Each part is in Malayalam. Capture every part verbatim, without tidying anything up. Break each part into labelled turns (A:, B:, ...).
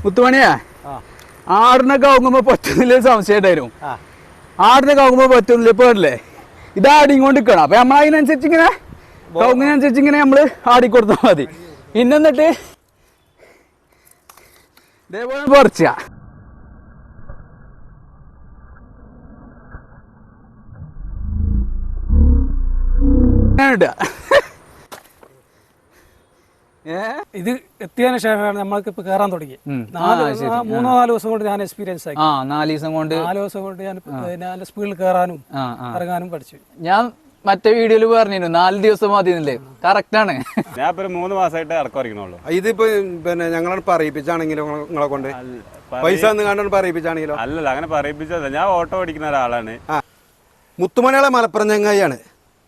A: മുത്തുമണിയാ ആടിനൊക്കെ ആകുമ്പോ പറ്റുന്നില്ല സംശയം ഉണ്ടായിരുന്നു. ആടിനൊക്കെ ആകുമ്പോ പറ്റുന്നില്ല ഇപ്പൊ അല്ലേ ഇത് ആടിങ്ങോണ്ട് നിൽക്കണം. അപ്പൊ നമ്മൾ അതിനനുസരിച്ച് ഇങ്ങനെ കവുങ്ങിനനുസരിച്ച് ഇങ്ങനെ നമ്മള് ആടിക്കൊടുത്താൽ മതി. പിന്നെ എന്നിട്ട് ഇതേപോലെ പറിച്ച
B: ഇത് എത്തിയതിനു ശേഷമാണ് നമ്മൾക്ക് ഇപ്പൊ കയറാൻ തുടങ്ങി. മൂന്നോ നാല് ദിവസം കൊണ്ട് ഞാൻ എക്സ്പീരിയൻസ് ആയി.
A: നാല് ദിവസം കൊണ്ട്
B: നാല് ദിവസം കൊണ്ട് ഞാൻ ഞാൻ സ്പീഡിൽ കയറാനും ഇറങ്ങാനും പഠിച്ചു.
A: ഞാൻ മറ്റേ വീഡിയോയിൽ പറഞ്ഞിരുന്നു നാല് ദിവസം മതി എന്നല്ലേ. കറക്റ്റ് ആണ്.
C: ഞാൻ ഇപ്പൊ മൂന്ന് മാസമായിട്ട് ഇറക്കം അറിയിക്കുന്നുള്ളൂ.
D: ഇതിപ്പോ പിന്നെ ഞങ്ങളാണ് പറയിപ്പിച്ചാണെങ്കിലോ നിങ്ങളെ കൊണ്ട് പൈസ കണ്ടാണ് പറയിപ്പിച്ചാണെങ്കിലോ?
C: അല്ലല്ല, അങ്ങനെ പറയിപ്പിച്ചതല്ല. ഞാൻ ഓട്ടോ ഓടിക്കുന്ന ഒരാളാണ്.
D: മുത്തുമണികളെ മലപ്പുറം ചങ്ങായിയാണ്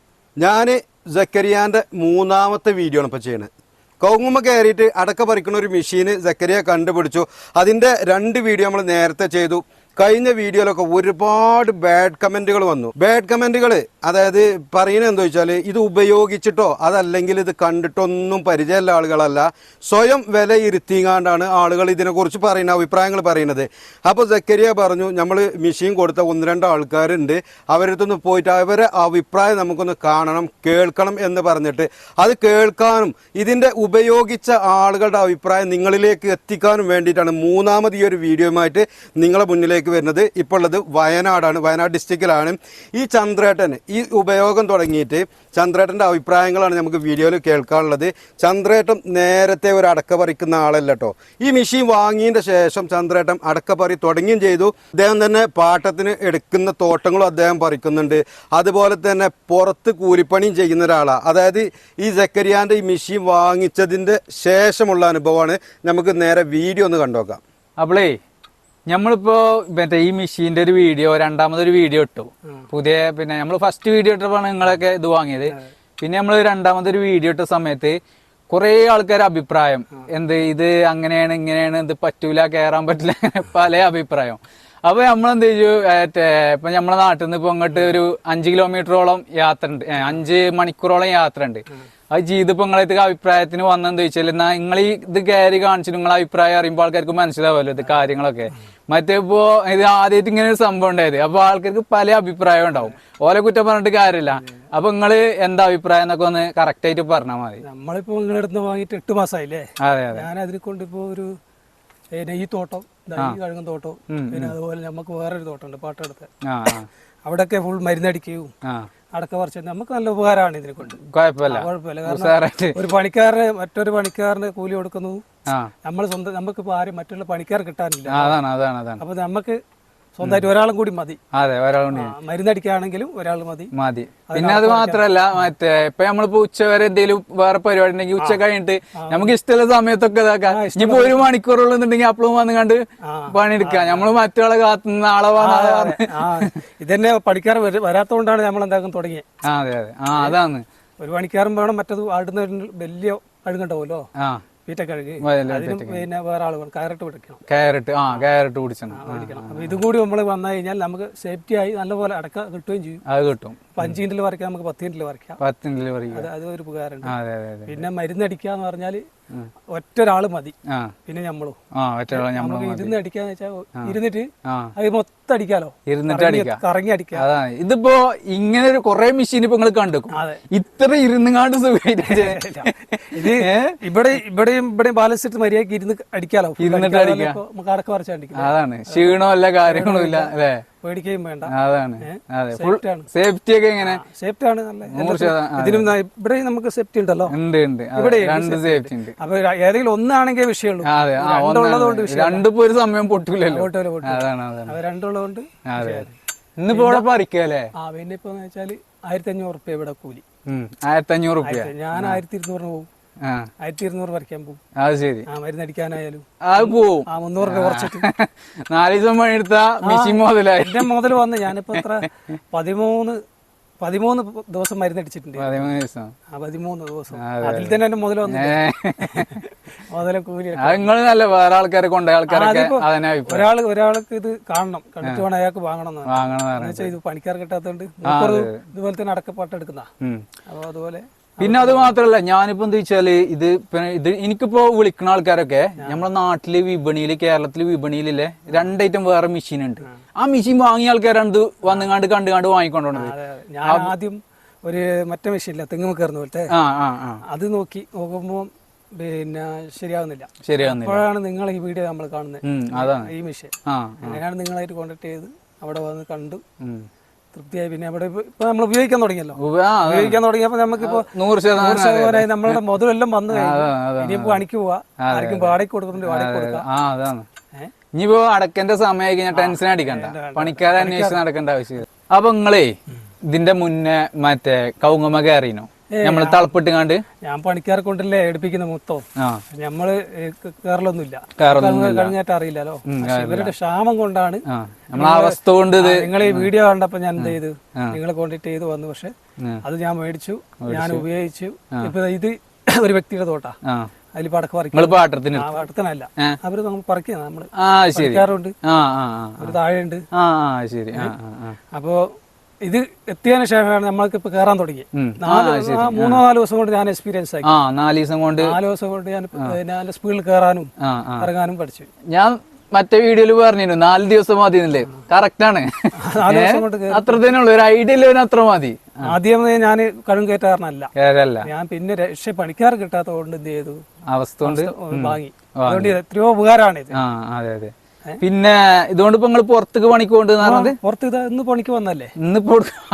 D: ഞാൻ. സക്കരിയാന്റെ മൂന്നാമത്തെ വീഡിയോ ആണ് ഇപ്പൊ ചെയ്യണത്. കവുങ്ങുമ്മ കയറിയിട്ട് അടക്ക പറിക്കുന്ന ഒരു മെഷീന് സക്കരിയ കണ്ടുപിടിച്ചു. അതിന്റെ രണ്ട് വീഡിയോ നമ്മൾ നേരത്തെ ചെയ്തു. കഴിഞ്ഞ വീഡിയോയിലൊക്കെ ഒരുപാട് ബാഡ് കമന്റുകൾ വന്നു. ബാഡ് കമന്റുകൾ അതായത് പറയുന്നത് എന്താ വെച്ചാൽ ഇത് ഉപയോഗിച്ചിട്ടോ അതല്ലെങ്കിൽ ഇത് കണ്ടിട്ടൊന്നും പരിചയമുള്ള ആളുകളല്ല, സ്വയം വില ഇരുത്തിങ്ങാണ്ടാണ് ആളുകൾ ഇതിനെക്കുറിച്ച് പറയുന്ന അഭിപ്രായങ്ങൾ പറയുന്നത്. അപ്പോൾ സക്കരിയ പറഞ്ഞു നമ്മൾ മെഷീൻ കൊടുത്ത ഒന്ന് രണ്ട് ആൾക്കാരുണ്ട്, അവരടുത്തൊന്ന് പോയിട്ട് അവരെ അഭിപ്രായം നമുക്കൊന്ന് കാണണം കേൾക്കണം എന്ന് പറഞ്ഞിട്ട് അത് കേൾക്കാനും ഇതിൻ്റെ ഉപയോഗിച്ച ആളുകളുടെ അഭിപ്രായം നിങ്ങളിലേക്ക് എത്തിക്കാനും വേണ്ടിയിട്ടാണ് മൂന്നാമത് ഈ ഒരു വീഡിയോയുമായിട്ട് നിങ്ങളെ മുന്നിലേക്ക് വരുന്നത്. ഇപ്പോൾ ഉള്ളത് വയനാടാണ്, വയനാട് ഡിസ്ട്രിക്റ്റിലാണ്. ഈ ചന്ദ്രേട്ടൻ ഈ ഉപയോഗം തുടങ്ങിയിട്ട് ചന്ദ്രേട്ടൻ്റെ അഭിപ്രായങ്ങളാണ് നമുക്ക് വീഡിയോയിൽ കേൾക്കാനുള്ളത്. ചന്ദ്രേട്ടൻ നേരത്തെ ഒരു അടക്ക പറിക്കുന്ന ആളല്ല കേട്ടോ. ഈ മെഷീൻ വാങ്ങിയതിൻ്റെ ശേഷം ചന്ദ്രേട്ടൻ അടക്കപ്പറി തുടങ്ങുകയും ചെയ്തു. അദ്ദേഹം തന്നെ പാട്ടത്തിന് എടുക്കുന്ന തോട്ടങ്ങളും അദ്ദേഹം പറിക്കുന്നുണ്ട്. അതുപോലെ തന്നെ പുറത്ത് കൂലിപ്പണിയും ചെയ്യുന്ന ഒരാളാണ്. അതായത് ഈ സക്കരിയാൻ്റെ ഈ മെഷീൻ വാങ്ങിച്ചതിൻ്റെ ശേഷമുള്ള അനുഭവമാണ്. നമുക്ക് നേരെ വീഡിയോ ഒന്ന് കണ്ടുനോക്കാം.
A: അപ്പളേ നമ്മളിപ്പോ മറ്റേ ഈ മെഷീന്റെ ഒരു വീഡിയോ രണ്ടാമതൊരു വീഡിയോ ഇട്ടു. പുതിയ പിന്നെ നമ്മൾ ഫസ്റ്റ് വീഡിയോ ഇട്ടപ്പോഴാണ് നിങ്ങളൊക്കെ ഇത് വാങ്ങിയത്. പിന്നെ നമ്മൾ രണ്ടാമതൊരു വീഡിയോ ഇട്ട സമയത്ത് കുറെ ആൾക്കാർ അഭിപ്രായം എന്ത് ഇത് അങ്ങനെയാണ് ഇങ്ങനെയാണ് ഇത് പറ്റൂല കയറാൻ പറ്റില്ല പല അഭിപ്രായം. അപ്പൊ നമ്മളെന്ത് ചെയ്തു മറ്റേ ഇപ്പൊ നമ്മളെ നാട്ടിൽ നിന്ന് ഇപ്പൊ അങ്ങോട്ട് ഒരു അഞ്ച് കിലോമീറ്ററോളം യാത്ര ഉണ്ട്, അഞ്ച് മണിക്കൂറോളം യാത്ര ഉണ്ട്. അത് ചെയ്തിപ്പോ നിങ്ങളെ അഭിപ്രായത്തിന് വന്നെന്ന് ചോദിച്ചാൽ എന്നാ നിങ്ങൾ ഈ ഇത് കയറി കാണിച്ചു നിങ്ങളെ അഭിപ്രായം അറിയുമ്പോൾ ആൾക്കാർക്ക് മനസ്സിലാവുമല്ലോ ഇത് കാര്യങ്ങളൊക്കെ. മറ്റേ ഇപ്പോ ഇത് ആദ്യമായിട്ട് ഇങ്ങനെ ഒരു സംഭവം ഉണ്ടായത്. അപ്പൊ ആൾക്കാർക്ക് പല അഭിപ്രായം ഉണ്ടാവും. ഓലെ കുറ്റം പറഞ്ഞിട്ട് കാര്യമില്ല. അപ്പൊ നിങ്ങള് എന്താ അഭിപ്രായം എന്നൊക്കെ ഒന്ന് കറക്റ്റ് ആയിട്ട് പറഞ്ഞാൽ മതി.
B: നമ്മളിപ്പോ നിങ്ങളുടെ അടുത്ത് വാങ്ങിയിട്ട് എട്ട് മാസമായില്ലേ?
A: അതെ അതെ.
B: ഞാൻ അതിനെ കൊണ്ട് ഇപ്പോ ഒരു ഈ തോട്ടം കഴുകും തോട്ടം പിന്നെ അതുപോലെ നമുക്ക് വേറൊരു തോട്ടമുണ്ട് പാട്ടെടുത്ത്. അവിടെയൊക്കെ ഫുൾ മരുന്നടിക്കുകയും അടക്ക പറിച്ചു നമുക്ക് നല്ല ഉപകാരമാണ് ഇതിനെ കൊണ്ട്.
A: കുഴപ്പമില്ല
B: കുഴപ്പമില്ല. കാരണം ഒരു പണിക്കാരന് മറ്റൊരു പണിക്കാരന് കൂലി കൊടുക്കുന്നു. നമ്മൾ സ്വന്തം നമുക്കിപ്പോ ആരും മറ്റുള്ള പണിക്കാർ കിട്ടാനില്ല.
A: അതാണ് അതാണ് അതാണ്.
B: അപ്പൊ നമുക്ക് സ്വന്തമായിട്ട് ഒരാളും കൂടി മതി.
A: അതെ, ഒരാളും
B: മരുന്നടിക്കുകയാണെങ്കിലും ഒരാൾ മതി
A: മതി. പിന്നെ അത് മാത്രല്ല മറ്റേ ഇപ്പൊ നമ്മളിപ്പോ ഉച്ച വരെ എന്തെങ്കിലും വേറെ പരിപാടി ഉണ്ടെങ്കിൽ ഉച്ച കഴിഞ്ഞിട്ട് നമുക്ക് ഇഷ്ടമുള്ള സമയത്തൊക്കെ ഇതാക്കാം. ഇനിയിപ്പോ ഒരു മണിക്കൂറുള്ളുന്നുണ്ടെങ്കിൽ അപ്പളും വന്ന് കണ്ട് പണിയെടുക്കാം. നമ്മള് മറ്റൊരാളെ കാത്തുനിന്ന് ആളെ
B: ഇതന്നെ പണിക്കാർ വരാത്തോണ്ടാണ് നമ്മൾ എന്താക്കും തുടങ്ങിയത്.
A: അതെ അതെ. ആ അതാണ്.
B: ഒരു പണിക്കാരൻ വേണം. മറ്റത് ആടുന്ന വലിയ അഴുകുണ്ടാവുമല്ലോ വീട്ടക്കഴുകി, അതിനും പിന്നെ വേറെ ആൾ വേണം. കയറിട്ട് പിടിക്കണം.
A: കയറിട്ട് ആ കയറിട്ട് പിടിച്ചണം.
B: അപ്പൊ ഇതും കൂടി നമ്മൾ വന്നു കഴിഞ്ഞാൽ നമുക്ക് സേഫ്റ്റി ആയി നല്ലപോലെ അടക്ക കിട്ടുകയും ചെയ്യും. അത് കിട്ടും. അഞ്ച് മിനിറ്റിൽ വരയ്ക്കാം, നമുക്ക് പത്ത് മിനിറ്റിൽ വരയ്ക്കാം.
A: പത്ത് മിനിറ്റിൽ വരയ്ക്കാം.
B: അത് ഒരു ഉപകാരമുണ്ട്. പിന്നെ മരുന്നടിക്കുക എന്ന് പറഞ്ഞാല് ഒറ്റൊരാള് മതി. പിന്നെ നമ്മളും നമുക്ക് ഇരുന്ന് അടിക്കാന്ന് വെച്ചാൽ ഇരുന്നിട്ട് അത് മൊത്തം അടിക്കാലോ, ഇരുന്നിട്ട് അടിക്കാം, കറങ്ങി അടിക്കാം.
A: അതാണ്. ഇതിപ്പോ ഇങ്ങനെ ഒരു കൊറേ മെഷീൻ ഇപ്പൊ നിങ്ങൾ കണ്ടുക്കും. ഇത്ര ഇരുന്നുകാണ്ട് സുഖമായിട്ട്
B: ഇത് ഇവിടെ ഇവിടെയും ഇവിടെയും ബാലൻസ് ഇട്ട് മര്യാദക്ക് ഇരുന്ന് അടിക്കാലോ,
A: ഇരുന്നിട്ട് അടിക്കാം.
B: നമുക്ക് അടക്ക വരച്ച് അടിക്കാം.
A: അതാണ്. ക്ഷീണവും എല്ലാ കാര്യങ്ങളും ഇല്ല അല്ലേ?
B: പേടിക്കുകയും വേണ്ട.
A: അതാണ്. സേഫ്റ്റി ഒക്കെ എങ്ങനെ?
B: സേഫ്റ്റി ആണ്. ഇതിനും ഇവിടെ നമുക്ക് സേഫ്റ്റി ഉണ്ടല്ലോ.
A: ഉണ്ട് ഉണ്ട്. ഇവിടെ രണ്ട് സേഫ്റ്റി ഉണ്ട്.
B: അപ്പൊ ഏതെങ്കിലും ഒന്നാണെങ്കിൽ വിഷയമുള്ളൂ. രണ്ടുള്ളതുകൊണ്ട്
A: രണ്ടിപ്പോ ഒരു സമയം പൊട്ടൂലല്ലോ.
B: അതാണ് അത് രണ്ടുള്ളതുകൊണ്ട്.
A: ഇന്നിപ്പോ ഇവിടെ പറിക്കല്ലേ?
B: ആ പിന്നെ ഇപ്പൊ വെച്ചാല് ആയിരത്തി അഞ്ഞൂറ് റുപ്യ ഇവിടെ കൂലി.
A: ആയിരത്തി അഞ്ഞൂറ് റുപ്യ.
B: ഞാൻ ആയിരത്തി ഇരുന്നൂറിന് പോകും. ആയിരത്തി ഇരുന്നൂറ് പറിക്കാൻ പോകും.
A: അത് ശരി.
B: ആ മരുന്നടിക്കാനായാലും
A: അത് പോവും.
B: ആ മുന്നൂറ് രൂപ കുറച്ചിട്ട്
A: നാല് ദിവസം പണിയെടുത്ത മെഷീൻ മുതലായി.
B: എന്റെ മുതൽ വന്ന് ഞാനിപ്പോ എത്ര പതിമൂന്ന് പതിമൂന്ന് ദിവസം മരുന്നടിച്ചിട്ടുണ്ട്.
A: പതിമൂന്ന് ദിവസം.
B: ആ പതിമൂന്ന് ദിവസം. അതിൽ തന്നെ എന്റെ മുതൽ വന്നു. മുതല കൂലി
A: നിങ്ങൾ നല്ല വേറെ ആൾക്കാരെ കൊണ്ടുപോയ ആൾക്കാരൊക്കെ
B: ഒരാൾ ഒരാൾക്ക് ഇത് കാണണം, കണ്ടിട്ട് വേണം അയാൾക്ക് വാങ്ങണം. വാങ്ങണം ഇത് പണിക്കാർ കിട്ടാത്തതുകൊണ്ട് ഇതുപോലെ തന്നെ അടക്കപ്പാട്ട് എടുക്കുന്ന. അപ്പൊ അതുപോലെ
A: പിന്നെ അത് മാത്രല്ല ഞാനിപ്പോ എന്താ വെച്ചാല് ഇത് പിന്നെ ഇത് എനിക്കിപ്പോ വിളിക്കുന്ന ആൾക്കാരൊക്കെ നമ്മളെ നാട്ടില് വിപണിയില് കേരളത്തില് വിപണിയിലെ രണ്ടൈറ്റം വേറെ മെഷീൻ ഉണ്ട്. ആ മെഷീൻ വാങ്ങിയ ആൾക്കാരാണ് ഇത് വന്നുകാണ്ട് കണ്ടു കണ്ട് വാങ്ങിക്കൊണ്ടോണത്.
B: ഞാൻ ആദ്യം ഒരു മറ്റേ മെഷീനില്ല തെങ്ങ് കയറുന്ന പോലത്തെ
A: ആ ആ ആ
B: അത് നോക്കി നോക്കുമ്പോ പിന്നെ ശരിയാകുന്നില്ല.
A: ശരിയാകുന്നില്ല.
B: അപ്പോഴാണ് നിങ്ങൾ ഈ വീഡിയോ നമ്മൾ കാണുന്നത്.
A: അതാണ്
B: ഈ മെഷീൻ
A: ആ
B: അങ്ങനെയാണ് നിങ്ങളായിട്ട് കോണ്ടാക്ട് ചെയ്ത് അവിടെ വന്ന് കണ്ടു തൃപ്തിയായി. പിന്നെ അവിടെ ഇപ്പൊ നമ്മൾ ഉപയോഗിക്കാൻ തുടങ്ങിയല്ലോ. ഉപയോഗിക്കാൻ തുടങ്ങിയപ്പോ നമുക്കിപ്പോ
A: നൂറ് ശതമാനം
B: നമ്മളുടെ മുതലെല്ലാം വന്നു കഴിഞ്ഞു. ഇനിയിപ്പോ പണിക്ക് പോവാ, ആർക്കും വാടകയ്ക്ക് കൊടുക്കുന്നുണ്ട്, വാടകയ്ക്ക് കൊടുക്കാം.
A: ആ അതാണ്. ഇനിയിപ്പോ അടക്കന്റെ സമയമായി കഴിഞ്ഞാൽ ടെൻഷൻ അടിക്കണ്ട, പണിക്കാരെ അന്വേഷിച്ച് നടക്കേണ്ട ആവശ്യമില്ല. അപ്പൊ നിങ്ങളേ ഇതിന്റെ മുന്നേ മറ്റേ കവുങ്ങമ്മ കയറിനോ നമ്മള് തളപ്പിട്ടുകാണ്ട്?
B: ഞാൻ പണിക്കാരെ കൊണ്ടല്ലേ എടുപ്പിക്കുന്ന മൊത്തം. നമ്മള് കേരളമൊന്നുമില്ല, കഴിഞ്ഞായിട്ട് അറിയില്ലല്ലോ. ഇവരുടെ ക്ഷാമം കൊണ്ടാണ്,
A: നമ്മളെ അവസ്ഥ കൊണ്ട്
B: നിങ്ങൾ ഈ വീഡിയോ കണ്ടപ്പോ ഞാൻ എന്ത് ചെയ്തു, നിങ്ങളെ കോണ്ടാക്ട് ചെയ്ത് വന്നു. പക്ഷെ അത് ഞാൻ മേടിച്ചു, ഞാൻ ഉപയോഗിച്ചു. ഇപ്പൊ ഇത് ഒരു വ്യക്തിയുടെ തോട്ടാ, അതിൽ പടക്ക പറിക്കും.
A: പാട്ടത്തിന്
B: പാട്ടത്തിനല്ല, അവര് നമ്മൾ പറിക്കുന്ന നമ്മള്
A: പറിക്കാറുണ്ട്.
B: ഒരു താഴെയുണ്ട്.
A: ശരി.
B: അപ്പോ ഇത് എത്തിയതിനു ശേഷമാണ് നമ്മൾക്ക് ഇപ്പൊ കയറാൻ തുടങ്ങി. മൂന്നോ നാല് ദിവസം കൊണ്ട് ഞാൻ എക്സ്പീരിയൻസ് ആക്കി.
A: നാല് ദിവസം കൊണ്ട്
B: നാല് ദിവസം കൊണ്ട് ഞാൻ നല്ല സ്പീഡിൽ കയറാനും ഇറങ്ങാനും പഠിച്ചു.
A: ഞാൻ മറ്റേ വീഡിയോയിൽ പറഞ്ഞിരുന്നു നാല് ദിവസം മതി എന്നല്ലേ. കറക്റ്റ് ആണ്.
B: നാല് ദിവസം കൊണ്ട്
A: അത്ര തന്നെ ഉള്ളു, ഒരു ഐഡിയ ഇല്ല അത്ര മതി.
B: ആദ്യം ഞാൻ കഴും കയറ്റാറിനല്ല,
A: കേരള
B: ഞാൻ പിന്നെ രക്ഷ പണിക്കാർ കിട്ടാത്ത കൊണ്ട് എന്ത് ചെയ്തു,
A: അവസ്ഥ കൊണ്ട്
B: വാങ്ങി. അതുകൊണ്ട് എത്രയോ ഉപകാരമാണ് ഇത്.
A: അതെ അതെ. പിന്നെ ഇതുകൊണ്ട് ഇപ്പൊ നിങ്ങൾ പുറത്തേക്ക് പണിക്ക് കൊണ്ടുവന്നത്?
B: പുറത്ത് ഇത് ഇന്ന് പണിക്ക് വന്നല്ലേ,
A: ഇന്നിപ്പോ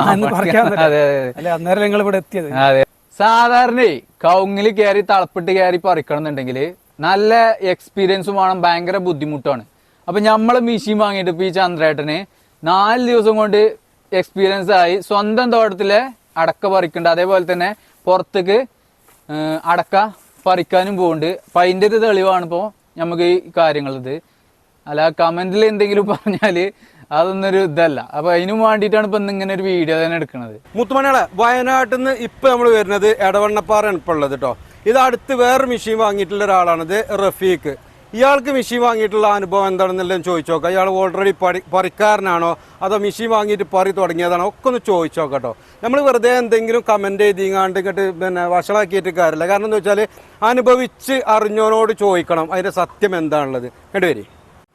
B: അല്ലെ അന്നേരം നിങ്ങൾ ഇവിടെ എത്തിയത്.
A: അതെ. സാധാരണ കവുങ്ങില് കയറി തളപ്പിട്ട് കയറി പറിക്കണം എന്നുണ്ടെങ്കിൽ നല്ല എക്സ്പീരിയൻസും വേണം, ഭയങ്കര ബുദ്ധിമുട്ടാണ്. അപ്പൊ നമ്മള് മെഷീൻ വാങ്ങിയിട്ട് ഇപ്പൊ ഈ ചന്ദ്രേട്ടന് നാല് ദിവസം കൊണ്ട് എക്സ്പീരിയൻസ് ആയി സ്വന്തം തോട്ടത്തിലെ അടക്ക പറിക്കുന്നുണ്ട്. അതേപോലെ തന്നെ പുറത്തേക്ക് അടക്ക പറിക്കാനും പോകുന്നുണ്ട്. അപ്പൊ അതിന്റെ ഒരു തെളിവാണ് ഇപ്പോ നമുക്ക് ഈ കാര്യങ്ങളിത്. അല്ല കമന്റിൽ എന്തെങ്കിലും പറഞ്ഞാല് അതൊന്നൊരു ഇതല്ല. അപ്പൊ അതിനും വേണ്ടിയിട്ടാണ് ഇപ്പൊ ഇങ്ങനെ ഒരു വീഡിയോ തന്നെ എടുക്കുന്നത്.
D: മുത്തുമണികളെ, വയനാട്ടിൽ നിന്ന് ഇപ്പൊ നമ്മൾ വരുന്നത് എടവണ്ണപ്പാറയാണ് ഇപ്പൊ ഉള്ളത് കേട്ടോ. ഇത് അടുത്ത് വേറെ മെഷീൻ വാങ്ങിയിട്ടുള്ള ഒരാളാണിത്, റഫീഖ്. ഇയാൾക്ക് മെഷീൻ വാങ്ങിയിട്ടുള്ള അനുഭവം എന്താണെന്നെല്ലാം ചോദിച്ചു നോക്കാം. ഇയാൾ ഓൾറെഡി പറി പറിക്കാരനാണോ അതോ മെഷീൻ വാങ്ങിയിട്ട് പറി തുടങ്ങിയതാണോ ഒക്കെ ഒന്ന് ചോദിച്ചു നോക്കട്ടോ. നമ്മൾ വെറുതെ എന്തെങ്കിലും കമന്റ് ചെയ്തിങ്ങാണ്ട് ഇങ്ങോട്ട് പിന്നെ വഷളാക്കിയിട്ട് കാര്യമില്ല. കാരണം എന്താ വെച്ചാൽ അനുഭവിച്ച് അറിഞ്ഞവനോട് ചോദിക്കണം അതിന്റെ സത്യം എന്താണുള്ളത്. കേട്ട് വരി.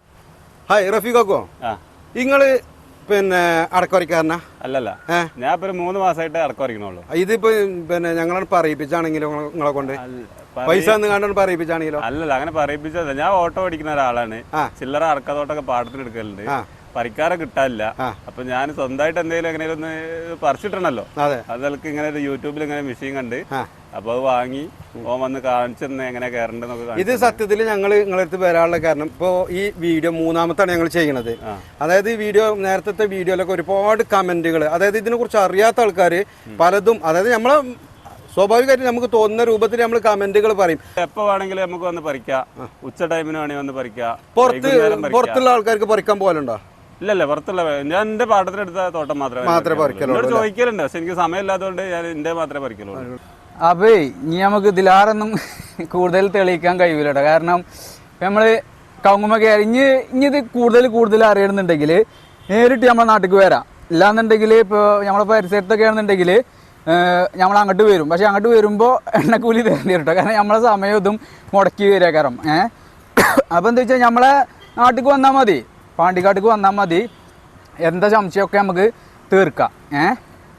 D: ഹായ് റഫീഖോ, നിങ്ങള് പിന്നെ അടക്കറിക്കാരനാ?
C: അല്ലല്ല, ഞാൻ ഇപ്പൊ മൂന്ന് മാസമായിട്ട് അടക്കം വരയ്ക്കണുള്ളൂ.
D: ഇതിപ്പോ പിന്നെ ഞങ്ങളാണ് പറയിപ്പിച്ചാണെങ്കിലോ, നിങ്ങളെ കൊണ്ട് പൈസ കണ്ടാണ് പറയിപ്പിച്ചാണെങ്കിലോ?
C: അല്ലല്ല, അങ്ങനെ പറയിപ്പിച്ചതല്ല. ഞാൻ ഓട്ടോ ഓടിക്കുന്ന ഒരാളാണ്. ചില്ലറ അടക്കത്തോട്ടൊക്കെ പാടത്തിന് എടുക്കലുണ്ട്. പറിക്കാരെ കിട്ടാനില്ല. അപ്പൊ ഞാൻ സ്വന്തമായിട്ട് എന്തെങ്കിലും എങ്ങനെയും ഒന്ന് പറിച്ചിട്ടണല്ലോ. അതൊക്കെ ഇങ്ങനെ ഒരു യൂട്യൂബിൽ ഇങ്ങനെ മെഷീൻ കണ്ട് അപ്പൊ അത് വാങ്ങി ഓൻ വന്ന് കാണിച്ചെന്ന് എങ്ങനെ കയറണ്ടെന്നൊക്കെ.
D: ഇത് സത്യത്തിൽ ഞങ്ങൾ നിങ്ങളടുത്ത് വരാനുള്ള കാരണം ഇപ്പോ ഈ വീഡിയോ മൂന്നാമത്താണ് ഞങ്ങൾ ചെയ്യണത്. അതായത് ഈ വീഡിയോ നേരത്തെ വീഡിയോയിലൊക്കെ ഒരുപാട് കമന്റുകൾ, അതായത് ഇതിനെ കുറിച്ച് അറിയാത്ത ആൾക്കാർ പലതും, അതായത് നമ്മളെ സ്വാഭാവികമായിട്ട് നമുക്ക് തോന്നുന്ന രൂപത്തിൽ നമ്മൾ കമന്റുകൾ പറയും.
C: എപ്പോ വേണമെങ്കിലും നമുക്ക് വന്ന് പറിക്കാം, ഉച്ച ടൈമിന് വേണമെങ്കിൽ വന്ന് പറിക്കാം.
D: പുറത്ത് പുറത്തുള്ള ആൾക്കാർക്ക് പറിക്കാൻ പോലുണ്ടോ?
C: ഇല്ലല്ല, പുറത്തുള്ള ഞാൻ എന്റെ പാട്ടത്തിനെടുത്ത തോട്ടം മാത്രമേ
D: മാത്രമേ പറിക്കലുള്ളൂ.
C: ചോദിക്കലുണ്ട്, പക്ഷെ എനിക്ക് സമയമില്ലാത്തതുകൊണ്ട് ഞാൻ എന്റെ മാത്രമേ പറിക്കലുള്ളൂ.
A: അപ്പേ ഇനി നമുക്ക് ഇതിലാറൊന്നും കൂടുതൽ തെളിയിക്കാൻ കഴിയൂല കേട്ടോ. കാരണം നമ്മള് കവുങ്ങുമ്മ കയറി ഇനി ഇനി ഇത് കൂടുതൽ കൂടുതൽ അറിയണമെന്നുണ്ടെങ്കിൽ നേരിട്ട് നമ്മളെ നാട്ടിലേക്ക് വരാം. ഇല്ലാന്നുണ്ടെങ്കിൽ ഇപ്പോൾ നമ്മളെ പരിസരത്തൊക്കെ ആണെന്നുണ്ടെങ്കിൽ നമ്മൾ അങ്ങോട്ട് വരും. പക്ഷെ അങ്ങോട്ട് വരുമ്പോൾ എണ്ണക്കൂലി തരേണ്ടി വരും കേട്ടോ. കാരണം നമ്മളെ സമയം ഇതും മുടക്കി വരിക കാരണം. ഏഹ് അപ്പോൾ എന്താ വെച്ചാൽ നമ്മളെ നാട്ടിലേക്ക് വന്നാൽ മതി, പാണ്ടിക്കാട്ടിക്ക് വന്നാൽ മതി. എന്താ സംശയമൊക്കെ നമുക്ക് തീർക്കാം. ഏഹ്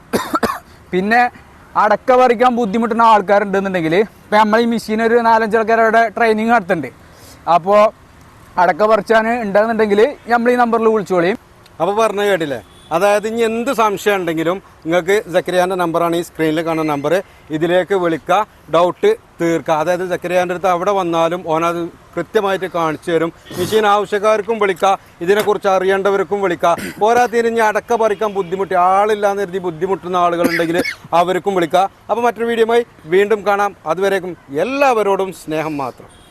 A: പിന്നെ അടക്ക പറിക്കാൻ ബുദ്ധിമുട്ടുന്ന ആൾക്കാരുണ്ടെന്നുണ്ടെങ്കിൽ ഇപ്പം നമ്മൾ ഈ മെഷീൻ ഒരു നാലഞ്ച് ആൾക്കാരുടെ ട്രെയിനിങ് നടത്തുന്നുണ്ട്. അപ്പോൾ അടക്ക പറിച്ചാൻ ഉണ്ടെന്നുണ്ടെങ്കിൽ നമ്മൾ ഈ നമ്പറിൽ വിളിച്ചോളിയും.
D: അപ്പോൾ പറഞ്ഞു കേട്ടില്ലേ, അതായത് ഇനി എന്ത് സംശയം ഉണ്ടെങ്കിലും നിങ്ങൾക്ക് സക്കരിയാൻ്റെ നമ്പറാണ് ഈ സ്ക്രീനിൽ കാണുന്ന നമ്പർ, ഇതിലേക്ക് വിളിക്കുക, ഡൗട്ട് തീർക്കുക. അതായത് സക്കരിയാൻ്റെ അടുത്ത് അവിടെ വന്നാലും ഓനത് കൃത്യമായിട്ട് കാണിച്ചു തരും. മെഷീൻ ആവശ്യക്കാർക്കും വിളിക്കുക, ഇതിനെക്കുറിച്ച് അറിയേണ്ടവർക്കും വിളിക്കുക. പോരാത്തതിന് ഇനി അടക്ക പറിക്കാൻ ബുദ്ധിമുട്ടി ആളില്ലാന്ന് കരുതി ബുദ്ധിമുട്ടുന്ന ആളുകളുണ്ടെങ്കിൽ അവർക്കും വിളിക്കുക. അപ്പോൾ മറ്റൊരു വീഡിയോയുമായി വീണ്ടും കാണാം. അതുവരേക്കും എല്ലാവരോടും സ്നേഹം മാത്രം.